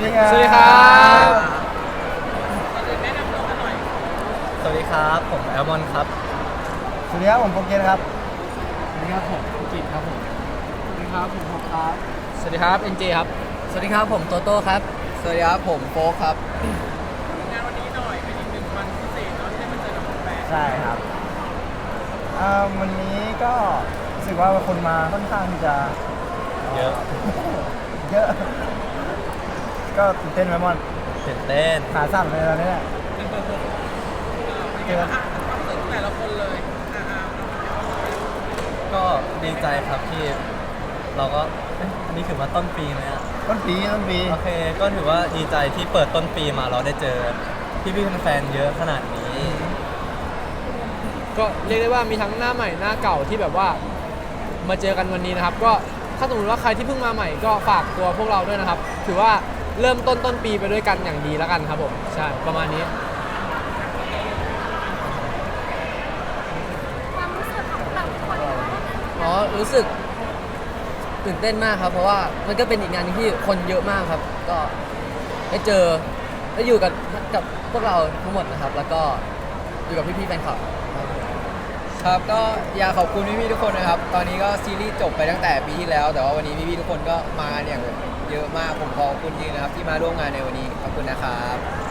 วัสดีครับสวัสดีครับสวัสดีครับผมแอลมอนครับสวัสดีครับผมโปรเกนครับสวัสดีครับผมกิตครับผมสวัสดีครับผมพบครับสวัสดีครับเอ็นเจครับสวัสดีครับผมโตโต้ครับสวัสดีครับผมโฟกครับงานวันนี้หน่อยเป็นอีกหนึ่งวันพิเศษเนาะที่ได้มาเจอกับแฟนใช่ครับวันนี้ก็รู้สึกว่าคนมาค่อนข้างที่จะเยอะเยอะ ก็ตื่นเต้นไหมมอนตื่นเต้นขาสั่นเลยตอนนี้เนี่ยเป็นไงบ้างคะความรู้สึกของแต่ละคนเลยก็ดีใจครับที่เราก็อันนี้ถือว่าต้นปีไหมอะต้นปีโอเค ก็ถือว่าดีใจที่เปิดต้นปีมาเราได้เจอพี่ๆแฟนๆเยอะขนาดนี้ก็เรียกได้ว่ามีทั้งหน้าใหม่หน้าเก่าที่แบบว่ามาเจอกันวันนี้นะครับก็ถ้าสมมติว่าใครที่เพิ่งมาใหม่ก็ฝากตัวพวกเราด้วยนะครับถือว่าเริ่มต้นปีไปด้วยกันอย่างดีแล้วกันครับผมใช่ประมาณนี้ความรู้สึกของแต่ละคนเนาะอ๋อรู้สึกตื่นเต้นมากครับเพราะว่ามันก็เป็นอีกงานหนึงที่คนเยอะมากครับ ก็ได้เจอได้อยู่กับพวกเราทั้งหมดนะครับ แล้วก็อยู่กับพี่ๆแฟนคลับครับครับก็อยากขอบคุณพี่ๆทุกคนนะครับ ตอนนี้ก็ซีรีส์จบไปตั้งแต่ปีที่แล้ว แต่ว่าวันนี้พี่ๆทุกคนก็มากันอย่างเยอะมากผมขอบคุณจริงนะครับที่มาร่วมงานในวันนี้ขอบคุณนะครับ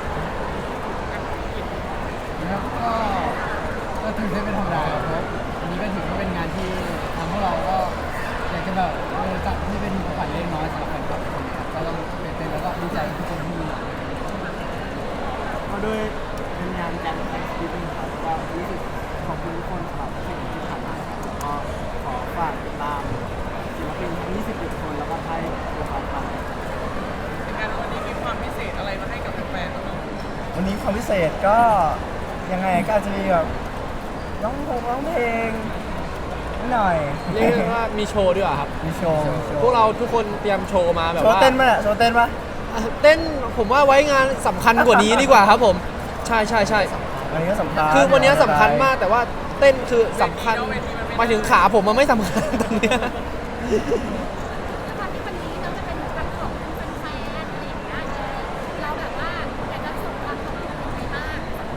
นะครับก็ตื่นเต้นเป็นธรรมดาครับเพราะอันนี้ก็ถือว่าเป็นงานที่ทางพวกเราก็อยากจะแบบจัดที่เป็นของขวัญเล็กน้อยสำหรับแฟนคลับทุกคนครับก็ต้องตื่นเต้นแล้วก็ดีใจทุกคนที่มาก็ด้วยเป็นงานการแสดงที่เป็นครับก็รู้สึกขอบคุณทุกคนสำหรับสิ่งที่ผ่านมาครับแล้วก็ขอฝากติดตามศิลปินทั้ง21 คนแล้วก็ให้ตัวเขาทำงานวันนี้มีความพิเศษอะไรมาให้กับแฟนๆบ้างเนาะวันนี้ความพิเศษก็ยังไงก็อาจจะมีแบบร้องเพลงนิดหน่อยเรียกได้ว่ามีโชว์ด้วยเหรอครับมีโชว์พวกเราทุกคนเตรียมโชว์มาแบบโชว์ว่าเต้นป่ะโชว์เต้นป่ะเต้นผมว่าไว้งานสำคัญกว่านี้ดีกว่าครับผมใช่ใช่ใช่วันนี้ก็สำคัญคือวันนี้สำคัญมากแต่ว่าเต้นคือสำคัญหมายถึงขาผมมันไม่สำคัญตรงเนี้ยแล้วความที่วันนี้เราจะเป็นเหมือนกับของแฟนๆอะไรอย่างเงี้ยเราแบบว่าอยากจะส่งความขอบคุณยังไงบ้าง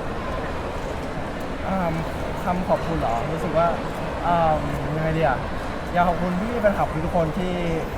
คำขอบคุณเหรอรู้สึกว่ายังไงดีอ่ะอยากขอบคุณพี่แฟนคลับทุกคนที่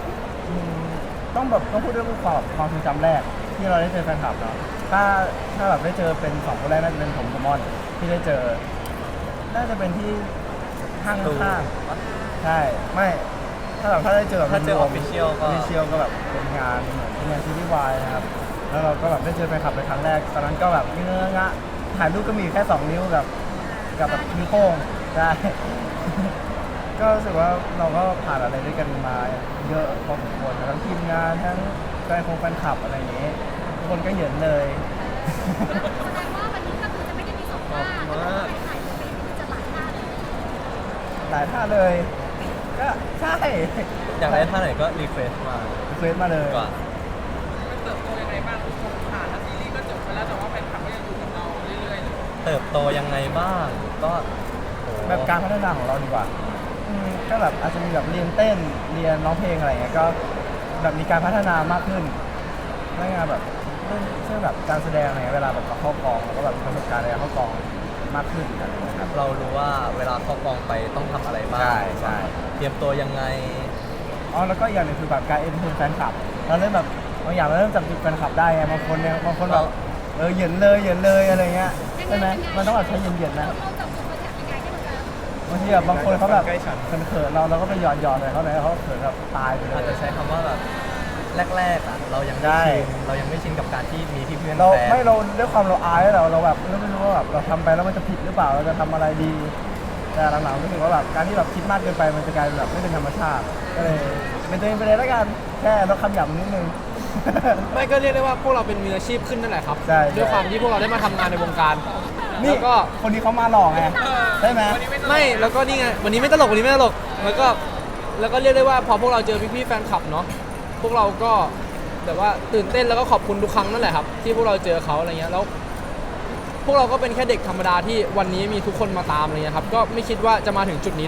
ต้องพูดเรื่องความทรงจำแรกที่เราได้เจอแฟนคลับเนาะถ้าแบบได้เจอเป็นสองคนแรกน่าจะเป็นผมกับมอนที่ได้เจอน่าจะเป็นที่ห้างข้างๆใช่ไม่ถ้าได้เจอแบบถ้าเจอ official ก็ official ก็แบบเป็นงานเหมือนเป็นงานซีรีส์วายนะครับแล้วเราก็แบบได้เจอแฟนคลับเป็นครั้งแรกตอนนั้นก็แบบเงื้องะถ่ายรูปก็มีแค่2 นิ้วกับแบบนิ้วโป้งใช่ ก็รู้สึกว่าเราก็ผ่านอะไรด้วยกันมาเยอะพอสมควรทั้งทีมงานทั้งแฟนคลับอะไรอย่างเงี้ยทุกคนก็เห็นเลยแสดงว่าวันนี้ก็คือจะไม่ได้มีสองท่าแต่ว่าไปถ่ายจะเป็นจะหลายท่าเลยหลายท่าเลย ก็ใช่อยากได้ท่าไหนก็รีเควสมาเฟซมาเลยดีกว่ามันเติบโตยังไงบ้างทุกคนผ่านแล้วซีรีส์ก็จบไปแล้วแต่ว่าแฟนคลับก็ยังอยู่กับเราเรื่อยๆเลยเติบโตยังไงบ้างก็โหแบบการพัฒนาของเราดีกว่าก็แบบอาจจะมีแบบเรียนเต้นเรียนร้องเพลงอะไรอย่างเงี้ยก็แบบมีการพัฒนามากขึ้นเรื่องงานแบบเรื่องแบบการแสดงอะไรเงี้ยเวลาแบบเราเข้ากองเราก็แบบมีประสบการณ์ในการเข้ากองมากขึ้นอะไรอย่างเงี้ยครับเรารู้ว่าเวลาเข้ากองไปต้องทำอะไรบ้างใช่เตรียมตัวยังไงอ๋อแล้วก็อีกอย่างหนึงคือแบบการเอ็นเตอร์เทนแฟนคลับเราเริ่มแบบบางอย่างเราเริ่มจับจุดแฟนคลับได้ไงบางคนแบบเหยินเลยอะไรเงี้ยใช่ไหมมันต้องแบบใช้เหยินๆนะเราจับจุดประทับยังไงให้มันจะบางทีแบบบางคนเขาแบบใกล้ฉันเขินๆเราก็ไปหยอดเลยเขาเลยเขาเขินแบบตายไปเลอาจยจะใช้คำว่าแบบแรกๆอ่ะเรายังได้ไม่ชินกับการที่มีพี่เพื่อนเราแฟนไม่เราด้วยความเราอายเราแบบเราไม่รู้ว่าแบบเราทำไปแล้วมันจะผิดหรือเปล่าเราจะทำอะไรดี แต่หลังๆรู้สึกว่าแบบการที่แบบคิดมากเกินไปมันจะกลายเป็นแบบไม่เป็นธรรมชาติก็เลยเป็นตัวเองไปเลยแล้วกันแค่ลดคำหยาบนิดนึงไม่ก็เรียกได้ว่าพวกเราเป็นมืออาชีพขึ้นนั่นแหละครับใช่ด้วยความที่พวกเราได้มาทำงานในวงการนี่แล้วก็คนนี้เขามาหลอกไงใช่ไหมไม่แล้วก็นี่ไงวันนี้ไม่ตลกวันนี้ไม่ตลกแล้วก็เรียกได้ว่าพอพวกเราเจอพี่ๆแฟนคลับเนาะพวกเราก็แบบว่าตื่นเต้นแล้วก็ขอบคุณทุกครั้งนั่นแหละครับที่พวกเราเจอเขาอะไรเงี้ยแล้วพวกเราก็เป็นแค่เด็กธรรมดาที่วันนี้มีทุกคนมาตามอะไรเงี้ยครับก็ไม่คิดว่าจะมาถึงจุดนี้ได้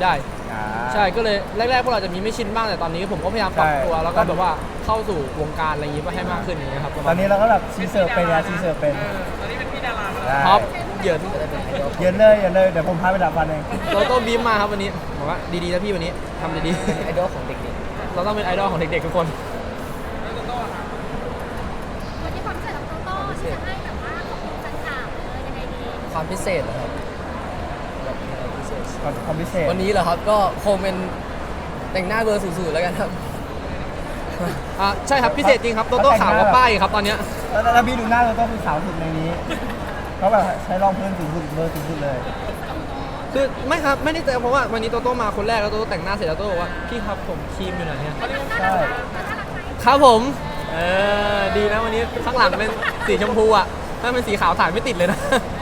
ใช่ก็เลยแรกๆพวกเราจะมีไม่ชินบ้างแต่ตอนนี้ผมก็พยายามปรับตัวใช่แล้วก็แบบว่าเข้าสู่วงการอะไรอย่างงี้ให้มากขึ้นอย่างเงี้ยครับตอนนี้เราก็แบบชีเสิร์ฟเป็นนะชีเสิร์ฟเป็นตอนนี้เป็นพี่ดารามาแล้วได้ท็อปเหยินเย็นเลยเย็นเลยเดี๋ยวผมพาไปดับฟันเองโตโต้บีมมาครับวันนี้บอกว่าดีๆนะพี่วันนี้ทำดีไอดอลของเด็กๆเราต้องเป็นไอดอลของเด็กๆทุกคนแล้วก็ต้องค่ะวันนี้ความพิเศษของโตโต้ที่จะให้แบบว่าขอบคุณแฟนคลับยังไงดีความพิเศษเหรอครับแบบอะไรพิเศษความพิเศษวันนี้เหรอครับก็คงเป็นแต่งหน้าเบอร์สูงๆแล้วกันครับใช่ครับพิเศษจริงครับโตโต้ขาวกว่าป้ายครับตอนเนี้ยแล้วพี่ดูหน้าเราต้องคือสาวสุดในนี้เขาแบบใช้รองพื้นสูงสุดเบอร์สูงสุดเลยคือไม่ครับไม่ได้เจอเพราะว่าวันนี้โตโต้มาคนแรกแล้วโตโต้แต่งหน้าเสร็จแล้วโตโต้บอกว่าพี่ครับผมครีมอยู่ไหนเนี่ยใช่ครับผมดีนะวันนี้ข้างหลังเป็นสีชมพูอ่ะถ้าเป็นสีขาวถ่ายไม่ติดเลยนะ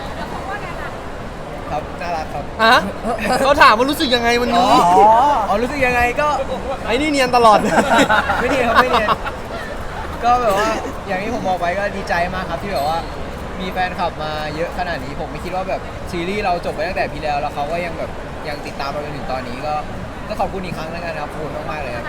ๆครับน่ารักครับอ่ะเขาถามว่ารู้สึกยังไงวันอ๋อนี้อ๋อรู้สึกยังไงก็ไอ้นี่เนียนตลอดไม่เนียนครับไม่เนียนก็แบบว่าอย่างที่ผมบอกไปก็ดีใจมากครับที่แบบว่ามีแฟนคลับมาเยอะขนาดนี้ผมไม่คิดว่าแบบซีรีส์เราจบไปตั้งแต่ปีแล้วเขาก็ยังแบบยังติดตามเราจนถึงตอนนี้ก็ขอบคุณอีกครั้งแล้วกันครับขอบคุณมากๆเลยครับ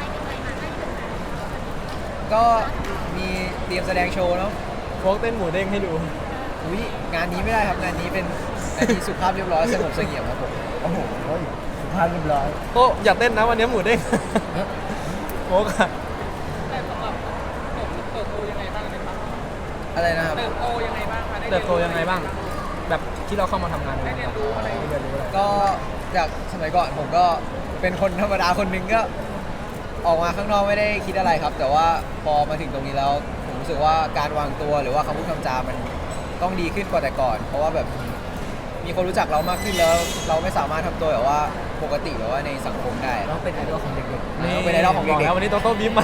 ก็มีเตรียมแสดงโชว์เนาะโฟกเต้นหมูเด้งให้ดูอุ้ยงานนี้ไม่ได้ครับงานนี้เป็นงานที่สุภาพเรียบร้อยสงบเสงี่ยมครับผมโอ้โหสุภาพเรียบร้อยโตอยากเต้นนะวันนี้หมูเด้งโฟกอะแต่สำหรับเติบโตยังไงบ้างในครับอะไรนะครับเติบโตยังไงบ้างคะได้เติบโตยังไงบ้าง แบบที่เราเข้ามาทำงานได้เรียนรู้อะไรเรียนรู้อะไรก็จากสมัยก่อนผมก็เป็นคนธรรมดาคนหนึงก็ออกมาข้างนอกไม่ได้คิดอะไรครับ แต่ว่าพอมาถึงตรงนี้แล้วผมรู้สึกว่าการวางตัวหรือว่าคำพูดคำจามันต้องดีขึ้นกว่าแต่ก่อน เพราะว่าแบบมีคนรู้จักเรามากขึ้นแล้ว เราไม่สามารถทำตัวแบบว่าปกติแบบว่าในสังคมได้เราเป็นไอดอลของเด็กๆเราเป็นไอดอลของเด็กๆบแล้ววันนี้โตโต้บีมมา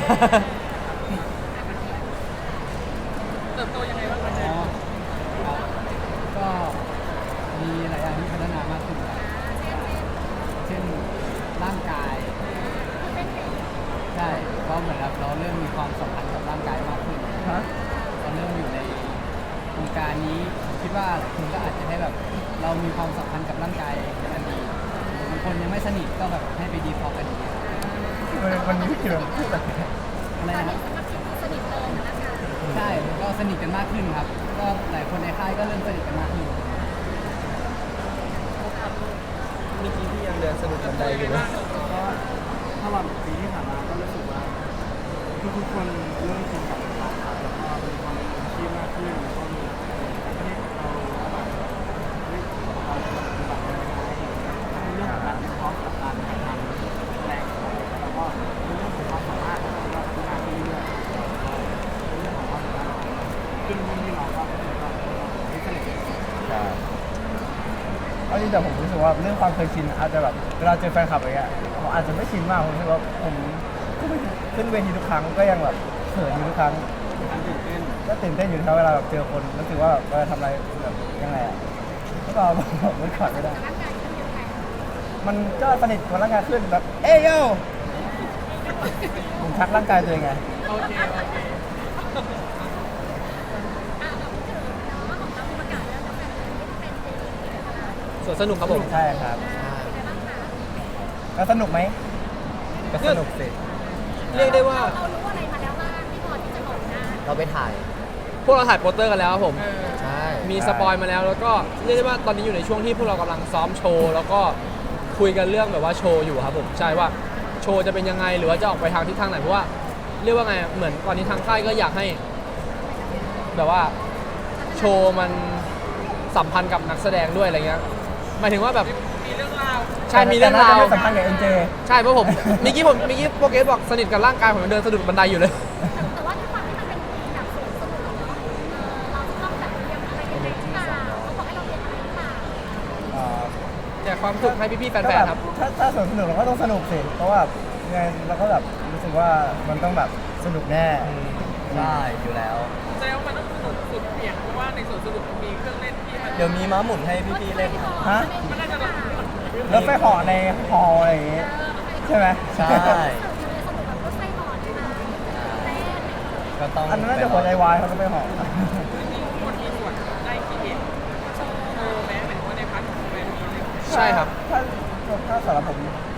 เติบโตยังไงบ้างคะอ๋อครับก็มีหลายอย่างที่พัฒนามากขึ้นครับเช่นร่างกายใช่เพราะเหมือนแบบเราเริ่มมีความสัมพันธ์กับร่างกายมากขึ้นฮะเราเริ่มอยู่ในวงการนี้ผมคิดว่าหลายคนก็อาจจะให้แบบเรามีความสัมพันธ์กับร่างกายกันดีบางคนยังไม่สนิทก็แบบให้ไปดีพอกันดีวันนี้พี่คิดว่าพูดอะไรอะไรนะครับสนิทเลยนะคะใช่ก็สนิทกันมากขึ้นครับ ก็หลายคนในค่ายก็เริ่มสนิทกันมากขึ้นเมื่อกี้พี่ยังเดินสนุกบันไดอยู่เลยก็ตลอดปีที่ผ่านมาก็รู้สึกว่าทุกๆคนเริ่มชินกับการครับแล้วก็มีความเป็นอาชีพมากขึ้นแล้วก็มีการที่เราแบบเฮ้ยเราจะปฏิบัติยังไงในเรื่องของการวิเคราะห์กับการทำแสดงแล้วก็ในเรื่องของความสามารถของเราพัฒนาขึ้นเรื่อยๆในเรื่องของความสามารถขึ้นที่เราก็รู้สึกว่าไม่สนิทใช่เอาจริงแต่ผมรู้สึกว่าเรื่องความเคยชินอาจจะแบบเวลาเจอแฟนคลับอะไรเงี้ยผมอาจจะไม่ชินมากผมรู้สึกว่าผมขึ้นเวทีทุกครั้งก็ยังแบบเขินอยู่ทุกครั้งการตื่นเต้นก็ตื่นเต้นอยู่นะครับเวลาแบบเจอคนรู้สึกว่าแบบเวลาทำอะไรแบบยังไงอ่ะก็บอกมันขาดไม่ได้ร่างกายเป็นยังไงมันก็สนิทกับร่างกายขึ้นแบบเอ้ยโยผมทักร่างกายตัวเองไงโอเคโอเคเราพูดถึงเนาะของเราประกาศแล้วว่าเป็นซีรีส์นะคะสวนสนุกครับผมใช่ครับเป็นไงบ้างคะแล้วสนุกไหมก็สนุกสิเรียกได้ว่าเรารู้อะไรมาแล้วบ้างที่พอที่จะบอกได้เราไปถ่าย พวกเราถ่ายโปสเตอร์กันแล้วครับผมใช่มีสปอยมาแล้วแล้วก็เรียกได้ว่าตอนนี้อยู่ในช่วงที่พวกเรากำลังซ้อมโชว์แล้วก็คุยกันเรื่องแบบว่าโชว์อยู่ครับผมใช่ว่าโชว์จะเป็นยังไงหรือว่าจะออกไปทางทิศทางไหนเพราะว่าเรียกว่าไงเหมือนตอนนี้ทางค่ายก็อยากให้ แบบว่าโชว์มันสัมพันธ์กับนักแสดงด้วยอะไรเงี้ยหมายถึงว่าแบบมีเรื่องราวใช่มีเรื่องราวแต่น่จะไม่สัมพันธ์กับเอ็นเจใช่เพราะผมเมื่อกี้โปรเกสบอกสนิทกับร่างกายผมยังเดินสะดุดบันไดอยู่เลยแต่ว่าด้วยความที่มันเป็นแบบสวนสนุกเนาะเราจะต้องแบบเรียนอะไรยังไงหรือเปล่าเขาบอกให้เราเรียนอะไรหรือเปล่าแจกความสุขให้พี่ๆแฟนๆครับถ้าสนุกเราก็ต้องสนุกสิเพราะว่าไงเราก็แบบรู้สึกว่ามันต้องแบบสนุกแน่ใช่อยู่แล้วแสดงว่ามันต้องสนุกสุดเบี่ยงเพราะว่าในสวนสนุกมันมีเครื่องเล่นที่มันเดี๋ยวมีม้าหมุนให้พี่ๆเล่นครับฮะมันน่าจะแบบแล้วไปห่อในฮอลอะไรอย่างงี้ใช่ไหมใช่สนุกแบบรถไฟหอใช่ไหมเต้นก็ต้องอันนั้นน่าจะหัวใจวายเขาจะไปห่อคนมีส่วนได้คิดเห็นโชว์แม้เหมือนว่าในพาร์ทของแฟนมีเลยใช่ครับถ้าสำหรับผม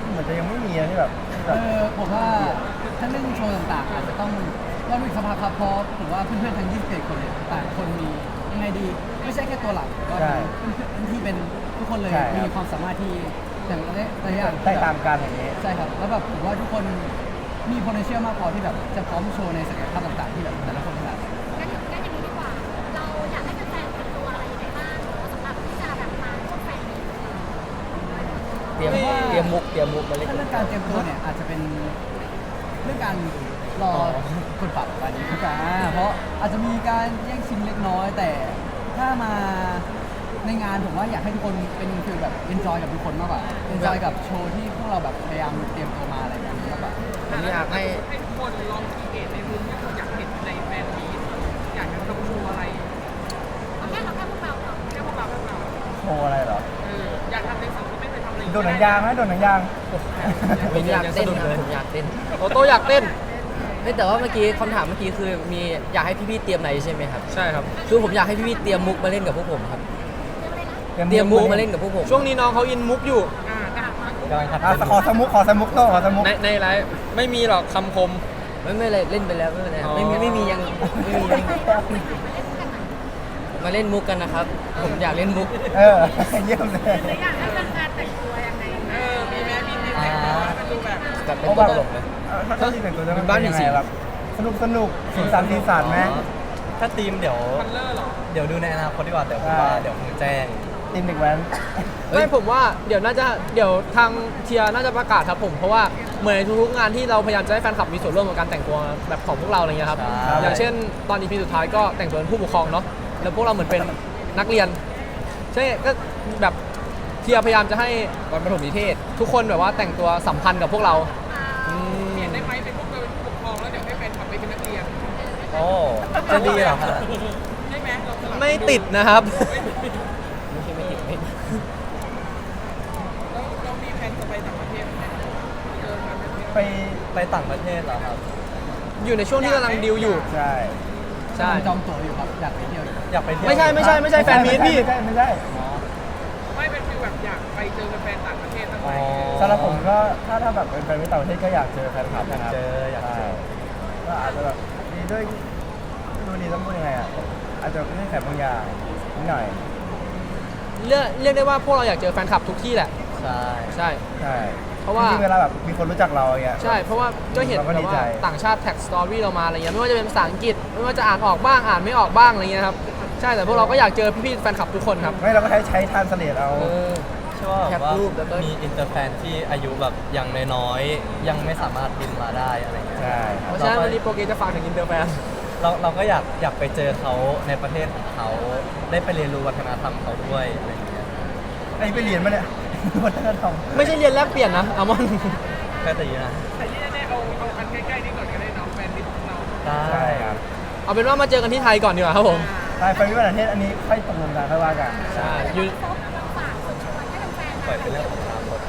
เหมือนจะยังไม่มีนะที่แบบที่แบบผมว่าถ้าเรื่องโชว์ต่างๆอาจจะต้องดูอีกสักพักครับเพราะผมว่าเพื่อนๆทั้ง21คนเนี่ยต่างคนมียังไงดีไม่ใช่แค่ตัวหลักก็มีที่เป็นทุกคนเลยมีความสามารถที่อย่างละอย่างแตกต่างกันอย่างนี้ใช่ครับแล้วแบบผมว่าทุกคนมี potential มากพอที่แบบจะพร้อมโชว์ในศักยภาพต่างๆที่แบบแต่ละคนถนัดงั้นอย่างนี้ดีกว่า เราอยากให้แฟนๆเป็นตัวอะไรยังไงบ้างสำหรับที่จะแบบมาพวกแฟนนี้เตรียมมุกมาเล่นถ้าเรื่องการเตรียมตัวเนี่ยอาจจะเป็นเรื่องการรอกดปรับวันนี้กันเพราะอาจจะมีการแย่งชิงเล็กน้อย แต่ถ้ามาในงานผมว่าอยากให้ทุกคนเป็นฟีลแบบ enjoy กับทุกคนมากกว่า enjoy กับโชว์ที่พวกเราแบบพยายามเตรียมตัวมาอะไรแบบนี้มากกว่าผมอยากให้ให้ทุกคนลองคีเอทในมุมที่คุณอยากเห็นในแฟนมีตอยากจะทำโชว์อะไรเอาแค่พวกเราก่อนแค่พวกเราโชว์อะไรเหรออยากทำในสิ่งที่ไม่เคยทำเลยโดดหนังยางไหมโดดหนังยางผมอยากเต้นครับผมอยากเต้นโอโต้อยากเต้นเฮ้ยแต่ว่าเมื่อกี้คำถามเมื่อกี้คือมีอยากให้พี่ๆเตรียมอะไรใช่ไหมครับใช่ครับคือผมอยากให้พี่ๆเตรียมมุกมาเล่นกับพวกผมครับเรื่องอะไรนะเตรียมมุกมาเล่นกับพวกผมช่วงนี้น้องเขาอินมุกอยู่กำลังขัดขอสมุกขอสมุกโต้ขอสมุกในไลฟ์ไม่มีหรอกคำคมไม่อะไรเล่นไปแล้วไม่เป็นไรอ๋อไม่มียังมาเล่นมุกกันนะครับ ผมอยากเล่นมุกเยี่ยมเลยอยากให้แฟนๆแต่งตัวยังไงมีแม่มีเด็กๆมันดูแบบแบบเป็นตัวตลกเลยถ้าที่แต่งตัวจะเป็นบ้านผีสิงแบบสนุกสีสันไหมถ้าทีมเดี๋ยวคัลเลอร์หรอเดี๋ยวดูในอนาคตดีกว่าเดี๋ยวผมว่าเดี๋ยวคงแจ้งทีมเด็กแว้นไม่ผมว่าเดี๋ยวทางเทียร์น่าจะประกาศครับผมเพราะว่าเหมือนในทุกๆงานที่เราพยายามจะให้แฟนคลับมีส่วนร่วมกับการแต่งตัวแบบของพวกเราอะไรเงี้ยครับใช่อย่างเช่นตอน EP สุดท้ายก็แต่งตัวเป็นผู้ปกครองเนาะแล้วพวกเราเหมือนเป็นนักเรียนใช่ก็แบบเทียร์พยายามจะให้วันประถมนิเทศทุกคนแบบว่าแต่งตัวสัมพันธ์กับพวกเราเปลี่ยนได้ไหมเป็นพวกเราเป็นผู้ปกครองแล้วเดี๋ยวให้แฟนคลับไปเป็นนักเรียนโอ้จะดีเหรอครับได้ไหมเราสลับไม่ติดนะครับไม่ใช่ไม่ติดไม่แล้วเรามีแผนจะไปต่างประเทศไหมเจอกันเป็นไปต่างประเทศเหรอครับอยู่ในช่วงที่กำลังดิวอยู่ใช่ใช่จองตั๋วอยู่ครับอยากไปเที่ยวอยู่อยากไปเที่ยวไม่ใช่แฟนมีตพี่ไม่ใช่ไม่เป็นฟิลแบบอยากไปเจอแฟนต่างประเทศตั้งอ๋แต่อสำหรับผมก็ถ้าแบบเป็นแฟนมิตรต่างประเทศก็อยากเจอแฟนคลับนะครับอยากเจอก็อาจจะแบบดีด้วยดูดีต้องพูดยังไงอ่ะอาจจะไม่ใช่แขกบางอย่างนิดหน่อยเรียกได้ว่าพวกเราอยากเจอแฟนคลับทุกที่แหละใช่ใช่ใช่เพราะว่าจริงๆเวลาแบบมีคนรู้จักเราอย่างเงี้ยใช่ เพราะว่าก็เห็นเราก็แบดีบใจว่าต่างชาติแท็กสตอรี่เรามาอะไรเงี้ยไม่ว่าจะเป็นภาษาอังกฤษไม่ว่าจะอ่านออกบ้างอ่านไม่ออกบ้างอะไรเงี้ยครับใช่แต่พวกเราก็อยากเจอพี่ๆแฟนคลับทุกคนครับไม่เราก็ใช้ทานสเลดเอาเชื่อว่าแคแบบปว่ารูปแล้วก็มีอินเตอร์แฟนที่อายุแบบยังน้อยๆยังไม่สามารถบินมาได้อะไรเงี้ยใช่เพราะฉะนั้นวันนี้โปรเกรสจะฝากถึงอินเตอร์แฟนเราก็อยากไปเจอเขาในประเทศของเขาได้ไปเรียนรู้วัฒนธรรมเขาด้วยอะไรเงี้ยไอ้ไปเรียนมาเนี่ยวัฒนธรรมไม่ใช่เรียนแลกเปลี่ยนนะอามอนแค่แต่ยีนะแต่ที่แน่ๆเอาอันใกล้ๆนี่ก่อนก็ได้เน้องแฟนมิตรของเราได้ใช่ครับเอาเป็นว่ามาเจอกันที่ไทยก่อนดีกว่าครับผมใช่ไปมิตรประเทศอันนี้ค่อยตกลงกันค่อยว่ากันใช่อยู่ฝากชวนให้แฟนๆปล่อยเป็นเรื่องของอนาคต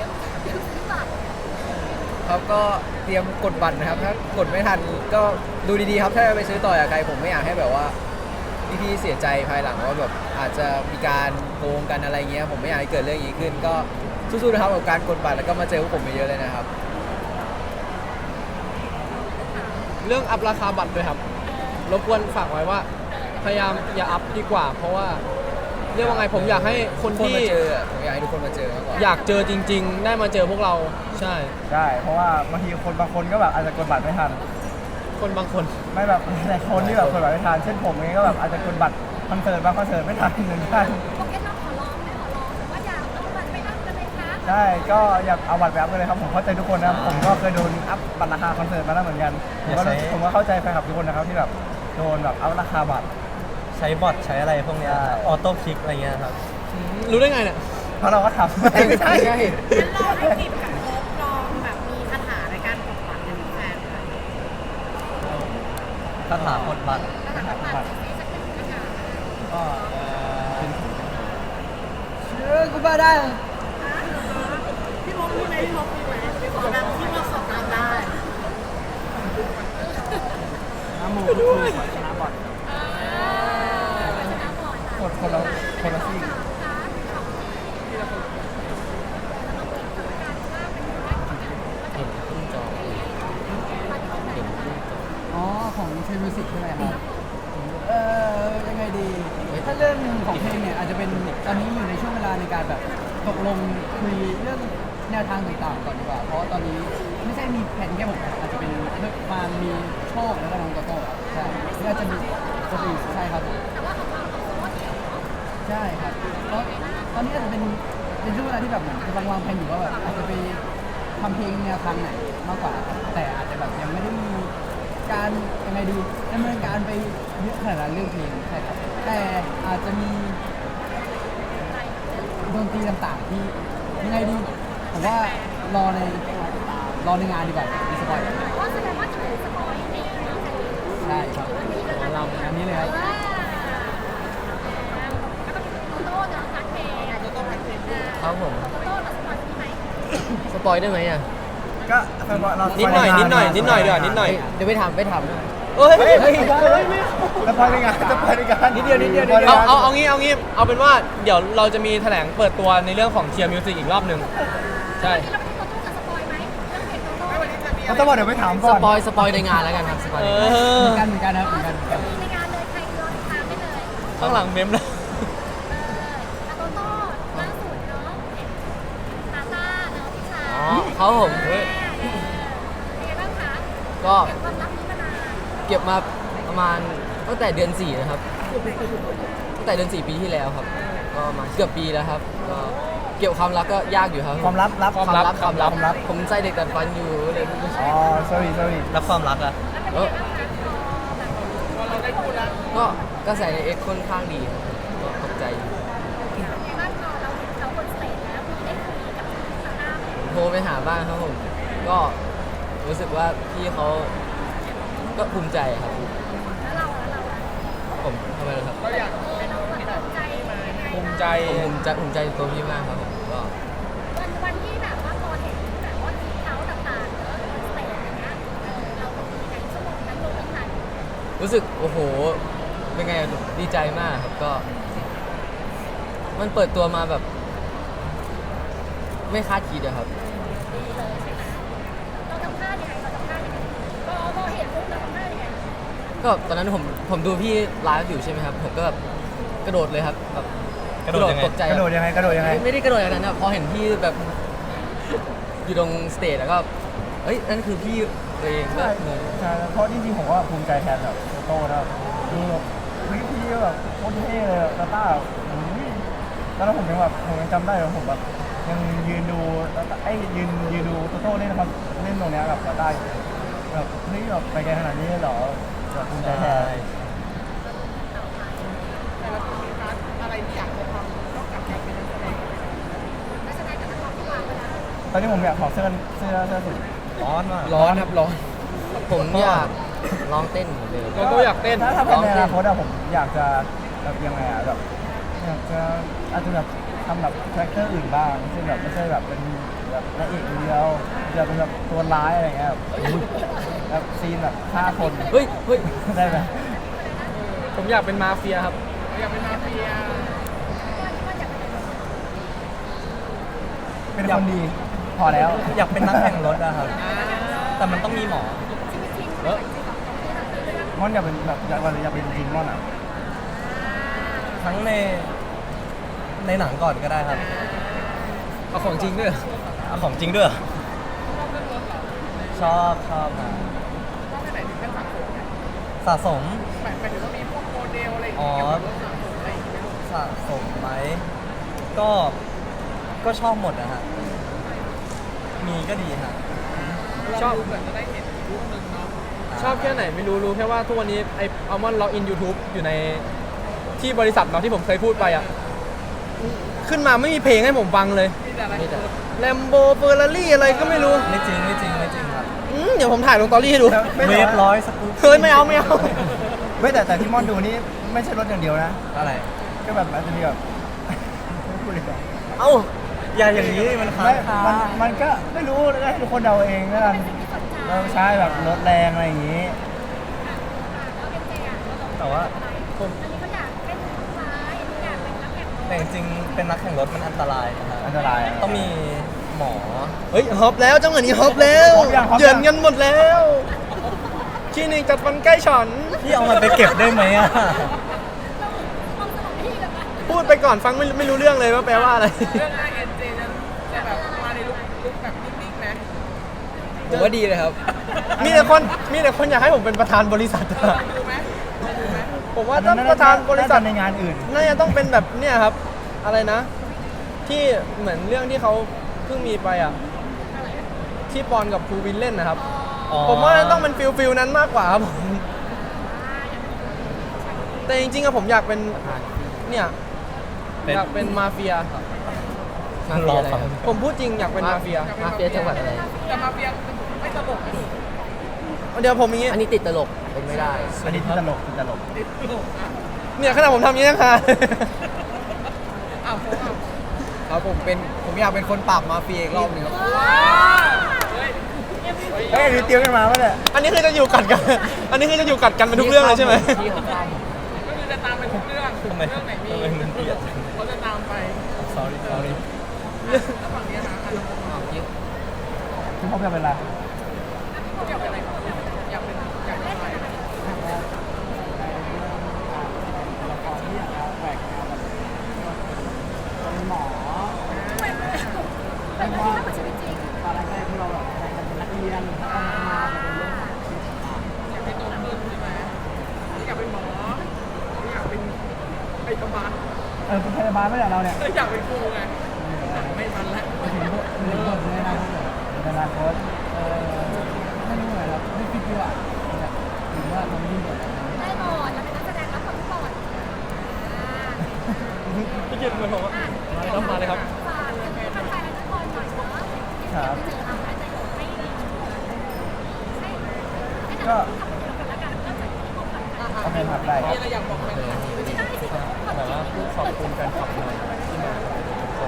ครับก็เตรียมกดบัตรนะครับ ถ้ากดไม่ทันก็ดูดีๆครับ ถ้าจะไปซื้อต่อจากใครผมไม่อยากให้แบบว่าพี่ๆเสียใจภายหลังว่าแบบอาจจะมีการโกงกันอะไรเงี้ยผมไม่อยากให้เกิดเรื่องอย่างนี้ขึ้น ก็สู้ๆนะครับกับการกดบัตรแล้วก็มาเจอพวกผมเยอะๆเลยนะครับเรื่องอัพราคาบัตรด้วยครับรบกวนฝากไว้ว่า พยายามอย่าอัพดีกว่า เพราะว่าเรียกว่าไงผมอยากให้คนคนที่มาเจอผมอยากให้ทุกคนมาเจอมากกว่าอยากเจอจริง ๆ ได้มาเจอพวกเราใช่ใช่เพราะว่าบางทีคนบางคนก็แบบอาจจะกดบัตรไม่ทันคนบางคนไม่แบบหลายคนที่แบบกดบัตรไม่ทันเช่นผมเองก็แบบอาจจะกดบัตรคอนเสิร์ตบางคอนเสิร์ตไม่ทันเหมือนกันโอเคเราขอร้องไหมขอร้องว่าอย่าเอาบัตรไปอัพกันเลยครับใช่ก็อยากเอาบัตรไปอัพกันเลยครับผมเข้าใจทุกคนนะครับผมก็เคยโดนอัพบัตรราคาคอนเสิร์ตมาแล้วเหมือนกันผมก็เข้าใจแฟนคลับทุกคนนะครับที่แบบโดนแบบอัพราคาบัตรใช้บอทใช้อะไรพวกเนี้ยใช่ออโต้คลิกอะไรเงี้ยครับรู้ได้ไงเนี่ยเพราะเราก็ทำไม่ใช่ใช่งั้นลองให้กิจกับโอ๊คลองแบบมีคาถาในการกดบัตรกันแฟนค่ะถ้าถามกดบัตรคาถากดบัตรสีสักหนึ่งคาถาก็กูบ้าได้พี่มกมีไหมพี่มกมีไหมขอแบบที่เราสอบตามได้น้ำมูกคือชนะบัตรชนะบ่อยกดคนละซี่ที่เราคนแล้วมาเปิดกรรมการว่าเป็นคนแรกที่ชียร์มิวสิกใช่ไหมครับยังไงดีถ้าเรื่องของเพลงเนี่ยอาจจะเป็นตอนนี้อยู่ในช่วงเวลาในการแบบตกลงคุยเรื่องแนวทางต่างๆก่อนดีกว่าเพราะว่าตอนนี้ไม่ใช่มีแผนแค่ผมอาจจะเป็นมามีโชคแล้วก็น้องโตโต้ครับใช่หรืออาจจะมีคนอื่นใช่ครับผมแต่ว่าของเราของโค้ชเนี่ยเนาะใช่ครับเพราะตอนนี้อาจจะเป็นช่วงเวลาที่แบบเหมือนกำลังวางแผนอยู่ว่าแบบอาจจะไปทำเพลงแนวทางไหนมากกว่าครับแต่อาจจะแบบยังไม่ได้มีการยังไงดีดำเนินการไปเยอะขนาดนั้นเรื่องเพลงใช่ครับแต่อาจจะมีดนตรีต่างๆที่ยังไงดีผมว่ารอในงานดีกว่าดีสปอยล์เพราะแสดงว่าจะเป็นสปอยเองเนาะใช่ครับเรางานนี้เลยครับแล้วก็โตโต้เนาะพักเพลงโตโต้พักเพลงครับผมโตโต้เราสปอยมีไหมสปอยได้ไหมอ่ะก็เรานิดหน่อยนิดหน่อยเดี๋ยวนิดหน่อยเดี๋ยวไปถามเอ้ยเฮ้ยจะไปในงานจะไปในงานนิดเดียวเอางี้เอาเป็นว่าเดี๋ยวเราจะมีแถลงเปิดตัวในเรื่องของเทียร์มิวสิกอีกรอบหนึ่งใช่เราไปที่โตโต้จะสปอยไหมเรื่องเพลงโตโต้เขาต้องบอกเดี๋ยวไปถามสก่อนปอยในงานแล้วกันครับสปอยเอเหอมือนกันครับเหมือนกันมีในงานเลยใครรอติดตามได้เลยข้างหลังเมมแล้วโตโต้ล่าสุดเนาะตาต้าเนาะพี่ชายอ๋อเขาผมเป็นไงบ้างคะก็เก็บความลับนี้มานานเก็บมาประมาณตั้งแต่เดือน 4 นะครับตั้งแต่เดือน 4 ปีที่แล้วครับ ก็มาเกือบปีแล้วครับก็เก็บความลับก็ยากอยู่ครับความลับความลับผมใจเด็กแต่ฟันอยู่เลยอ๋อ sorry แล้วความรักอะเออก็กระแสในเอ็กค่อนข้างดีครับก็ตกใจอยู่ในบ้านเราบนสเตจแล้วได้คุยกับตาต้าไหมโทรไปหาบ้างครับผม ก็รู้สึกว่าพี่เขาก็ภูมิใจครับแล้วเราผมทำไมล่ะครับเราอยากเป็นเราแบบภูมิใจยังไงภูมิใจผมภูมิใจในตัวพี่มากครับผมก็วันที่แบบว่าพอเห็นแบบว่าทีเขาต่างๆเนอะบนสเตจอย่างเงี้ยเราเป็นยังไงชั่วโมงนั้นลงไม่ทันรู้สึกโอ้โหเป็นไงดีใจมากครับก็ มันเปิดตัวมาแบบ ไม่คาดคิดอะครับดีเลยใช่ไหมเราทำท่ายังไงพอเห็นปุ๊บเราทำท่ายังไงก็ตอนนั้นผมดูพี่ไลฟ์อยู่ใช่ไหมครับ ผมก็แบบกระโดดเลยครับแบบกระโดดยังไงตกใจกระโดดยังไงไม่ได้กระโดดอย่างนั้นนะพอเห็นพี่แบบ อยู่ตรงสเตจแล้วก็เอ้ยนั่นคือพี่ตัวเองก็ใช่งงใช่เพราะจริงๆผมว่าภูมิใจแทนแบบโตนะดูแบบพี่แบบโคตรเท่เลยตาต้าแล้วผมยังจำได้เลยผมแบบยังยืนดูยืนดูโตเล่นนะครับเล่นตรงเนี้ยกับตาต้าแบบเฮ้ยแบบไปไกลขนาดนี้เลยเหรอแบบภูมิใจแทนแต่ละคนมีพาร์ทอะไรที่อยากจะทำนอกจากการเป็นนักแสดงนักแสดงกับนักร้องที่วางไปแล้วตอนนี้ผมอยากถอดเสื้อสุดร้อนมากร้อนครับร้อนผมอยากร้องเต้นเหมือนเดิมโตโต้อยากเต้นถ้าเป็นในอนาคตอะผมอยากจะแบบยังไงอะแบบอยากจะอาจจะแบบทำแบบคาแรคเตอร์อื่นบ้างซึ่งแบบไม่ใช่แบบเป็นแบบนางเอกคนเดียวจะเป็นแบบตัวร้ายอะไรเงี้ยแบบซีนแบบฆ่าคนเฮ้ยได้ไหมผมอยากเป็นมาเฟียครับเราอยากเป็นมาเฟียเป็นคนดีพอแล้วอยากเป็นนักแข่งรถอะครับ แต่มันต้องมีหมอเออม่อนอยากเป็นแบบอยากเป็นจริงม่อนอ่ะทั้งในหนังก่อนก็ได้ครับเอาของจริงด้วยเอาของจริงด้วยเหรอชอบนะก็ไปไหนถึงขั้นสะสมเนี่ยสะสมหมายถึงว่ามีพวกโมเดลอะไรอย่างเงี้ยเกี่ยวกับรถสะสมอะไรอย่างเงี้ยสะสมไหมก็ชอบหมดนะฮะมีก็ดีฮะชอบเหมือนจะได้เห็นรูปหนึ่งเนาะชอบแค่ไหนไม่รู้แค่ว่าทุกวันนี้ไออัลมอนด์ล็อกอิน YouTube อยู่ในที่บริษัทเราที่ผมเคยพูดไปอ่ะ ขึ้นมาไม่มีเพลงให้ผมฟังเลยมีแต่อะไรนี่แต่แลมโบเฟอร์รารี่อะไรก็ไม่รู้ไม่จริงครับเดี๋ยวผมถ่ายลงตอรี่ให้ดูเวฟร้อยสกู๊ปเฮ้ยไม่เอาไม่แต่ที่ม่อนดูนี่ไม่ใช่รถอย่างเดียวนะอะไรก็แบบอาจจะมีแบบไม่พูดเลยดีกว่าเอ้าอย่าอย่างนี้มันค้าไม่งคามันก็ไม่รู้แล้วให้ทุกคนเดาเองแล้วกันเราใช้แบบรถแรงอะไรอย่างนี้แต่ว่าอันนี้เขาอยากเป็นผู้ร้ายอันนี้อยากเป็นนักแข่งรถแต่จริงๆเป็นนักแข่งรถมันอันตรายนะฮะอันตรายต้องมีหมอเฮ้ยฮอปแล้วจังหวะนี้ฮอปแล้วฮอปยังเหยื่อนกันหมดแล้วที่หนึ่งจัดวันใกล้ฉันพี่เอามันไปเก็บได้ไหมอ่ะต้องสมองพี่เลยปะพูดไปก่อนฟังไม่รู้เรื่องเลยว่าแปลว่าอะไรเรื่องเอ็นเจจะแบบมาในลุคแบบนิ่งๆนะผมว่าดีเลยครับมีแต่คนอยากให้ผมเป็นประธานบริษัทอะลองดูไหมลองดูไหมผมว่าต้องประธานบริษัทในงานอื่นน่าจะต้องเป็นแบบเนี่ยครับ อะไรนะ ที่เหมือนเรื่องที่เขาเพิ่งมีไปอ่ะ ที่ปอนกับภูวินเล่นนะครับ ผมว่าต้องเป็นฟิลนั้นมากกว่าครับผม แต่จริงๆอะผมอยากเป็นเนี่ยเป็นอยากเป็นมาเฟียมาเฟียอะไรครับผมพูดจริงอยากเป็นมาเฟียมาเฟียจังหวัดอะไรแต่มาเฟียไม่ตลกเดี๋ยวผมอย่างงี้อันนี้ติดตลกเป็นไม่ได้อันนี้ที่ตลกที่ตลกติดตลกอ่ะเนี่ยขนาดผมทำอย่างนี้นะคะอ้าวโฟกอ่ะครับผมอยากเป็นคนปราบมาเฟียอีกรอบหนึงครับว้าวเฮ้ยเฮ้ยนี่เตรียมกันมาปะเนี่ยอันนี้คือจะอยู่กัดกัน อันนี้คือจะอยู่กัดกันเป็นทุกเรื่องเลยใช่ไหมที่ของข้ามก็คือจะตามไปทุกเรื่องทำไมเรื่องไหนมีทำไมมันเปลี่ยนเขาจะตามไป sorry แล้วฝั่งนี้นะอันนี้คุณพ่อจะเป็นอะไรอยากเป็นอะไรครับอยากเป็นอะไรละครที่อยากจะแหวกแนวแบบเป็นหมอเป็นที่น่าชีวิตจริงตอนแรกๆที่เราแบบอยากจะเป็นนักเรียนแล้วก็มาเป็นเรื่องของชีวิตต่างอยากเป็นโตขึ้นใช่ไหมอยากเป็นหมออยากเป็นพยาบาลเป็นพยาบาลไม่ใช่เราเนี่ยอยากเป็นครูไงไม่ทันแล้วๆถึงบทในอนาคตในอนาคตไม่รู้เลยครับไม่คิดดีกว่าหรือว่าทำยิ่งกว่านั้นได้หมดเราเป็นนักแสดงรับคนทุกบทพี่เกียรติเหมือนผมว่าต้องมาเลยครับฝากเป็นแฟนๆทุกคนหน่อยเพราะว่าที่เจอเราอาจจะอยู่ให้แต่ทำเป็นคนละกันก็จะที่ผมแบบโอเคครับได้มีอะไรอยากบอกไหมได้สิคนแบบว่าพูดขอบคุณแฟนคลับหน่อยที่มาทุกคน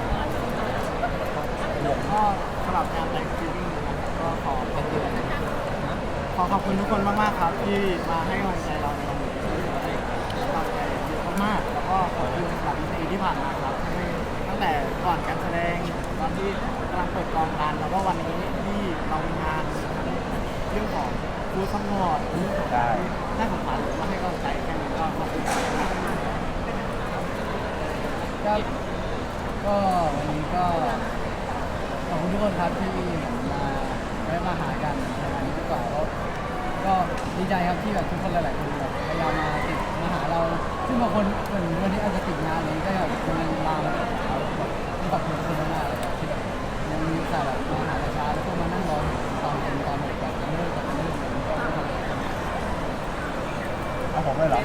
ก็สำหรับงานแต่งซีรีส์นะครับก็ขอขอบคุณทุกคนมากๆครับที่มาให้กำลังใจเราในวันนี้ได้กำลังใจเยอะมากๆแล้วก็ขอบคุณสำหรับปีที่ผ่านมาครับที่ตั้งแต่ก่อนการแสดงตอนที่กำลังเปิดกองกันแล้วก็วันนี้ที่เรามีงานเรื่องของฟู้ดซัพพอร์ตเรื่องของได้น่าสงสารมาให้กำลังใจแค่นี้ก็ขอบคุณมากครับก็วันนี้ก็ ขอบคุณทุกคนครับที่มาได้มาหากันในวันนี้ดีกว่าแล้วก็ดีใจครับที่แบบทุกคนหลายๆคนแบบพยายามมาติดมาหาเราซึ่งบางคนเหมือนวันนี้อาจจะติดงานอะไรก็แบบคนยังมาแบบเราแบบขอบคุณทุกคนมากๆเลยครับที่แบบยังมีสาระมาหาเราช้าแล้วก็มานั่งรอตอนเป็นตอนแบบจะเลิกอะไรก็ทุกคนเลยเอาผมเลยเหรอ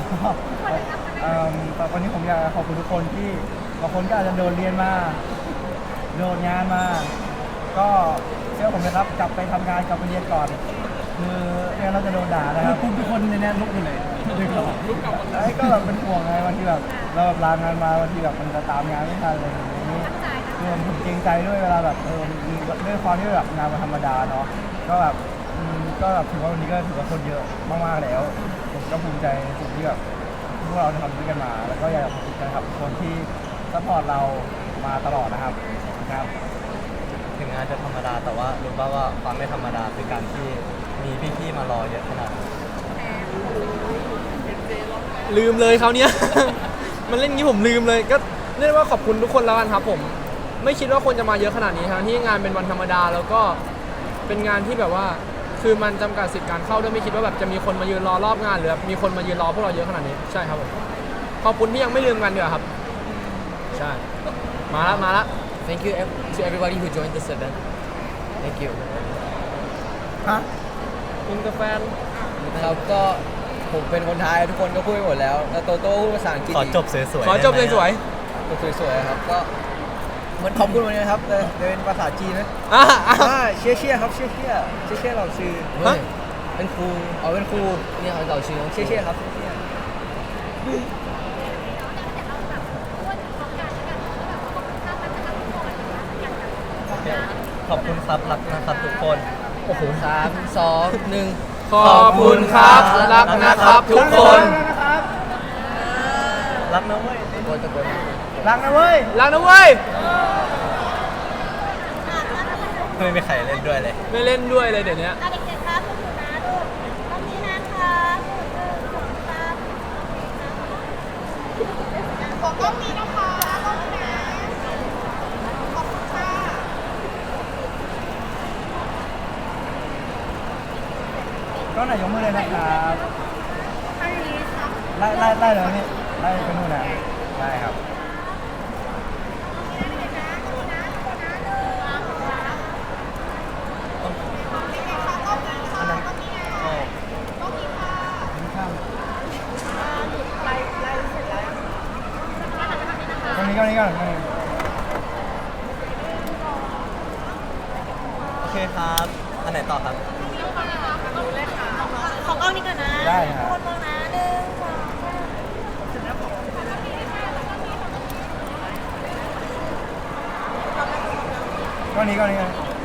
แต่วันนี้ผมอยากขอบคุณทุกคนที่บางคนก็อาจจะโดนเรียนมาโดนงานมา ก็เชื่อผมนะครับกลับไปทำงานกลับไปเรียนก่อน คือไม่งั้นเราจะโดนด่านะครับทุกคนในนี้ลุกหมดเลยดึงเราไอ้ก็แบบเป็นห่วงไงบางทีแบบเราแบบลางานมาบางทีแบบมันจะตามงานไม่ทันอะไรอย่างนี้คือผมเกรงใจด้วยเวลาแบบมีด้วยความที่แบบงานมันธรรมดาเนาะก็แบบก็แบบถือว่าวันนี้ก็ถือว่าคนเยอะมากๆแล้ว ผมก็ภูมิใจในสิ่งที่แบบพวกเราทำด้วยกันมา แล้วก็อยากขอบคุณนะครับคนที่ซัพพอร์ตเรามาตลอดนะครับครับถึงงานจะธรรมดาแต่ว่ารู้ป่าวว่าความไม่ธรรมดาคือการที่มีพี่ๆมารอเยอะขนาดนี้ลืมเลยเขาวเนี้ย มันเล่นงี้ผมลืมเลยก็เรียกว่าขอบคุณทุกคนแล้วกันครับผม ไม่คิดว่าคนจะมาเยอะขนาดนี้ทั้งที่งานเป็นวันธรรมดาแล้วก็เป็นงานที่แบบว่าคือมันจำกัดสิทธิ์การเข้าด้วยไม่คิดว่าแบบจะมีคนมายืนรอรอบงานหรือแบบมีคนมายืนรอพวกเราเยอะขนาดนี้ใช่ครับผมขอบคุณที่ยังไม่ลืมกันเดี๋ยวาครับใช่มาละ Thank you to everybody who joined this event Thank you ฮะอินเตอร์แฟนครับก็ผมเป็นคนไทยทุกคนก็พูดไปหมดแล้วแล้วโตโต้พูดภาษาอังกฤษขอจบสวยๆขอจบได้ไหมสวยสวยๆครับก็เหมือนขอบคุณวันนี้นะครับแต่เป็นภาษาจีนนะๆอ่ะเชี่ยครับเชี่ยเราชื่อเฮ้ยเป็นครูเอาเป็นครูเนี่ยเราชื่อน้องเชี่ยครับเชี่ยเราแบบพูดพร้อมกันแล้วกันแบบขอบคุณค่ามันจะทำทุกคนอย่างแบบขอบคุณครับรักนะครับทุกคนโอ้โห3 2 1 ขอบคุณครับรักนะครับทุกคนรักนะเว้ยตะโกนรักนะเว้ยรักนะเว้ยไม่มีใครเล่นด้วยเลยไม่เล่นด้วยเลยเดี๋ยวนี้เด็กๆครับคุณนะลูกกล้องนี้นะคะกล้องนี้นะขอบคุณค่ะก็ไหนยกมือเลยนะครับอันนี้ครับไล่เลยนี่ไล่ไปนู่นนะได้ครับ ตรงนี้ก่อนโอเคครับ อันไหนต่อครับขอกล้องนี้ก่อนนะได้ครับคนมองนะหนึ่งสองก็นี้